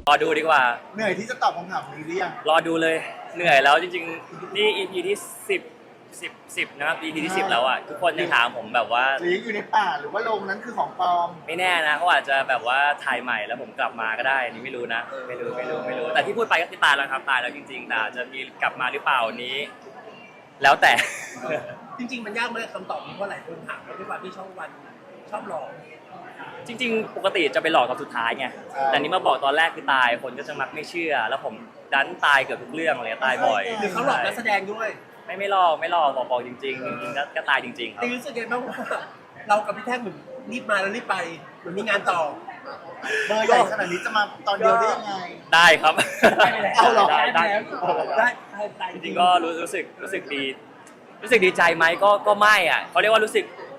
รอดูดีกว่าเหนื่อยที่จะตอบคำถามนี้หรือยังรอดูเลยเหนื่อยแล้วจริงๆนี่ EP ที่10นะครับ EP ที่10แล้วอ่ะทุกคนยังถามผมแบบว่าหรือยังอยู่ในป่าหรือว่าโรงนั้นคือของปลอมไม่แน่นะเขาอาจจะแบบว่าถ่ายใหม่แล้วผมกลับมาก็ได้นี่ไม่รู้นะไม่รู้แต่ที่พูดไปก็คือตายแล้วครับตายแล้วจริงๆแต่จะมีกลับมาหรือเปล่านี้ แล้วแต่จริงๆมันยากไหมคำตอบนี้เพราะหลายคนถามว่าด้วยความที่ช่องวันชอบหลอกจริงๆปกติจะไปหลอกตอนสุดท้ายไงแต่นี้มาบอกตอนแรกคือตายคนก็จะมักไม่เชื่อแล้วผมดันตายเกือบทุกเรื่องเลยตายบ่อยหรือเขาหลอกนักแสดงด้วยไม่หลอกบอกจริงๆก็ตายจริงๆครับรู้สึกไงบ้างว่าเรากับพี่แท่งเหมือนรีบมาแล้วรีบไปเหมือนมีงานต่อเบอร์ใหญ่ขนาดนี้จะมาตอนเดียวได้ยังไงได้ครับเอาหรอได้จริงๆก็รู้สึกดีใจไหมก็ไม่อ่ะเขาเรียกว่ารู้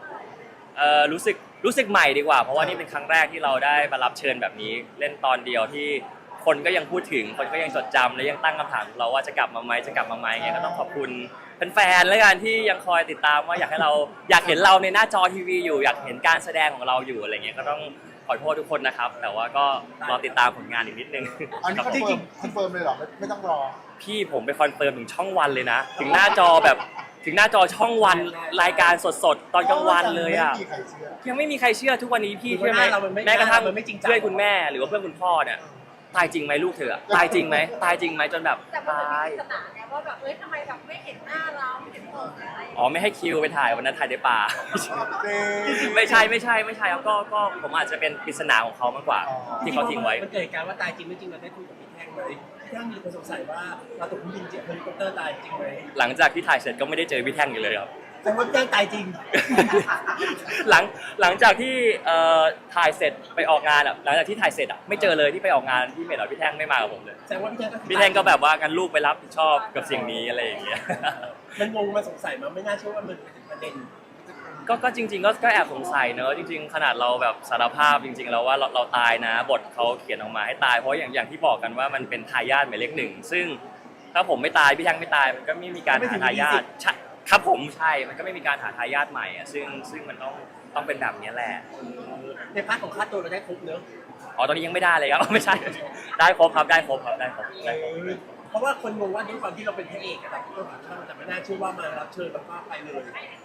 สึกใหม่ดีกว่าเพราะว่านี่เป็นครั้งแรกที่เราได้มารับเชิญแบบนี้เล่นตอนเดียวที่คนก็ยังพูดถึงคนก็ยังจดจำและยังตั้งคำถามเราว่าจะกลับมาไหมเงี้ยก็ต้องขอบคุณแฟนๆแล้วกันที่ยังคอยติดตามว่าอยากเห็นเราในหน้าจอทีวีอยู่อยากเห็นการแสดงของเราอยู่อะไรเงี้ยก็ต้องขอโทษทุกคนนะครับแต่ว่าก็รอติดตามผลงานอีกนิดนึงอันนี้คอนเฟิร์มเลยเหรอไม่ต้องรอพี่ผมไปคอนเฟิร์มถึงช่องวันเลยนะถึงหน้าจอช่องวันรายการสดๆตอนกลางวันเลยอ่ะยังไม่มีใครเชื่อทุกวันนี้พี่เชื่อไหมแม้กระทั่งเพื่อนคุณแม่หรือว่าเพื่อนคุณพ่อเนี่ยตายจริงไหมลูกเธอตายจริงไหมจนแบบตายแต่มันมีปริศนาไงว่าแบบทำไมแบบไม่เห็นหน้าเราไม่เห็นตัวอะไรอ๋อไม่ให้คิวไปถ่ายวันนั้นถ่ายในป่าไม่ใช่ครับก็ผมอาจจะเป็นปริศนาของเขามากกว่าที่เขาทิ้งไว้มันเกิดการว่าตายจริงไม่จริงเราได้คุยกับพี่แท่งไหมพี่แท่งมีคนสงสัยว่าเราตกเครื่องบินเจ็บเฮลิคอปเตอร์ตายจริงไหมหลังจากที่ถ่ายเสร็จก็ไม่ได้เจอพี่แท่งอยู่เลยครับแต่ว่าพี่แท่งตายจริงหลังจากที่ถ่ายเสร็จไปออกงานอ่ะหลังจากที่ถ่ายเสร็จอ่ะไม่เจอเลยที่ไปออกงานที่เมดพี่แท่งไม่มากับผมเลยแต่ว่าพี่แท่งก็แบบว่ากันลูกไปรับผิดชอบกับสิ่งนี้อะไรอย่างเงี้ยมันงงมาสงสัยมาไม่น่าเชื่อว่ามันเป็นประเด็นก็จริงๆก็แอบสงสัยเนอะจริงๆขนาดเราแบบสารภาพจริงๆแล้วว่าเราตายนะบทเขาเขียนออกมาให้ตายเพราะอย่างที่บอกกันว่ามันเป็นทายาทหมายเลข 1ซึ่งถ้าผมไม่ตายพี่แท่งไม่ตายมันก็ไม่มีการหาทายาทครับผมใช่มันก็ไม่มีการหาทายาทใหม่อ่ะซึ่งมันต้องเป็นแบบนี้แหละในพาร์ทของค่าตัวเราได้ครบเนอะอ๋อตอนนี้ยังไม่ได้เลยครับไม่ใช่ได้ครบครับเพราะว่าคนงงว่าด้วยความที่เราเป็นพระเอกอะครับก็ช่างแต่ไม่น่าเชื่อว่ามารับเชิญแล้วก็ไปเลย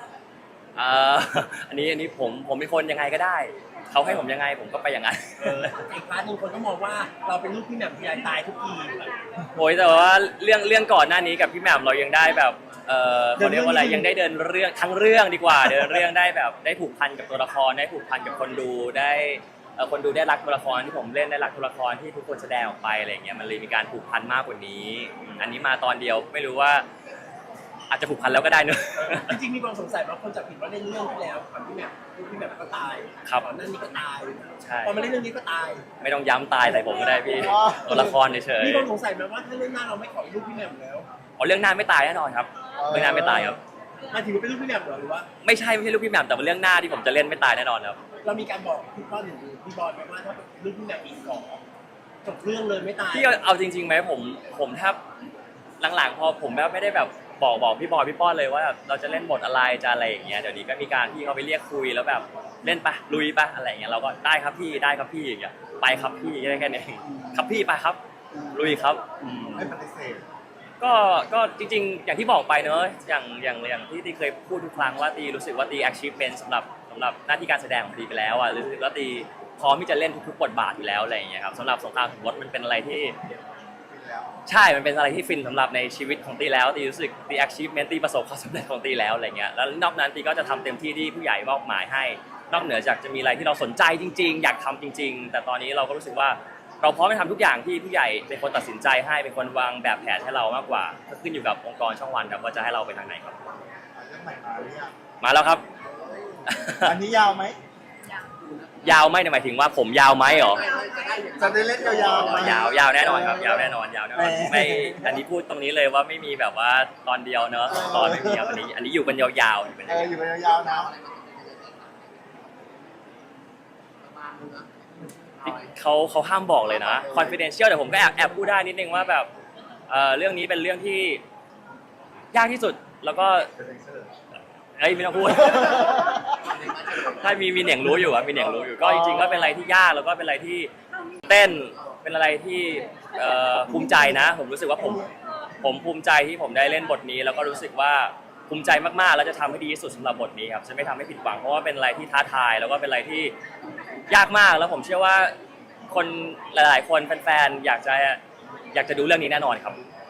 อันนี้ผมเป็นคนยังไงก็ได้เขาให้ผมยังไงผมก็ไปอย่างนั้นอีกพาร์ทนึงคนก็มองว่าเราเป็นลูกพี่แหม่มพี่ใหญ่ตายทุกทีโอ้ยแต่ว่าเรื่องก่อนหน้านี้กับพี่แหม่มเรายังได้แบบเขาเรียกว่าอะไรยังได้เดินเรื่องทั้งเรื่องดีกว่าเดินเรื่องได้แบบได้ผูกพันกับตัวละครได้ผูกพันกับคนดูได้คนดูได้รักตัวละครที่ผมเล่นได้รักตัวละครที่ทุกคนแสดงออกไปอะไรเงี้ยมันเลยมีการผูกพันมากกว่านี้อันนี้มาตอนเดียวไม่รู้ว่าอาจจะผูกพันแล้วก็ได้เนอะจริงๆมีความสงสัยว่าคนจับผิดว่าเล่นเรื่องที่แล้วก่อนพี่แหม่มก็ตายก่อนหน้านี้ก็ตายพอมาเล่นเรื่องนี้ก็ตายไม่ต้องย้ำตายใส่ผมก็ได้พี่ตัวละครเฉยๆมีความสงสัยไหมว่าถ้าเรื่องหน้าเราไม่ขอลูกพี่แหม่มแล้วเรื่องหน้าไม่ตายแน่นอนครับเรื่องหน้าไม่ตายครับมาถือเป็นลูกพี่แหม่มหรือว่าไม่ใช่ลูกพี่แหม่มแต่เป็นเรื่องหน้าที่ผมจะเล่นไม่ตายแน่นอนครับเรามีการบอกพี่ป้อนหรือพี่บอลไหมว่าถ้าลูกพี่แหม่มอีกขอจบเรื่องเลยไม่ตายพี่เอาจริงๆไหมผมแทบหลังๆพอผมแบบไม่ได้แบบบอกพี่บอยพี่ป้อนเลยว่าเราจะเล่นบทอะไรจะอะไรอย่างเงี้ยเดี๋ยวนี้ก็มีการที่เขาไปเรียกคุยแล้วแบบเล่นปะลุยปะอะไรอย่างเงี้ยเราก็ได้ครับพี่อย่างเงี้ยไปครับพี่แค่นี้ครับพี่ไปครับลุยครับไม่ปฏิเสธก็จริงๆอย่างที่บอกไปเนอะอย่างที่เคยพูดทุกครั้งว่าตีรู้สึกว่าตี achievement สำหรับหน้าที่การแสดงของตีไปแล้วอ่ะรู้สึกว่าตีพร้อมที่จะเล่นทุกๆบทบาทอยู่แล้วอะไรอย่างเงี้ยครับสำหรับสงครามสมรสมันเป็นอะไรที่ใช่มันเป็นอะไรที่ฟินสำหรับในชีวิตของตีแล้วตีรู้สึกตี achievement ตีประสบความสำเร็จของตีแล้วอะไรเงี้ยแล้วนอกนั้นตีก็จะทำเต็มที่ที่ผู้ใหญ่มอบหมายให้นอกเหนือจากจะมีอะไรที่เราสนใจจริงๆอยากทำจริงๆแต่ตอนนี้เราก็รู้สึกว่าเราพร้อมจะทำทุกอย่างที่ผู้ใหญ่เป็นคนตัดสินใจให้เป็นคนวางแบบแผนให้เรามากกว่าก็ขึ้นอยู่กับองค์กรช่องวันครับว่าจะให้เราไปทางไหนครับเรื่องใหม่มาหรือยังมาแล้วครับอันนี้ยาวไหมยาวไหมหมายถึงว่าผมยาวไหมหรอจะได้เล่นยาวยาวแน่นอนครับยาวแน่นอนไม่อันนี้พูดตรงนี้เลยว่าไม่มีแบบว่าตอนเดียวเนอะตอนไม่มีครับอันนี้อยู่กันยาวๆอยู่กันยาวนะเขาห้ามบอกเลยนะ confidential แต่ผมก็แอบพูดได้นิดนึงว่าแบบเรื่องนี้เป็นเรื่องที่ยากที่สุดแล้วก็ไม่ต้องพูดถ้ามีเหน่งรู้อยู่ก็จริงๆก็เป็นอะไรที่ยากแล้วก็เป็นอะไรที่เต้นเป็นอะไรที่ภูมิใจนะผมรู้สึกว่าผมภูมิใจที่ผมได้เล่นบทนี้ แล้วก็รู้สึกว่าภูมิใจมากๆแล้วจะทำให้ดีที่สุดสำหรับบทนี้ครับจะไม่ทำให้ผิดหวังเพราะว่าเป็นอะไรที่ท้าทายแล้วก็เป็นอะไรที่ยากมากแล้วผมเชื่อว่าคนหลายๆคนแฟนๆอยากจะดูเรื่องนี้แน่นอนครับ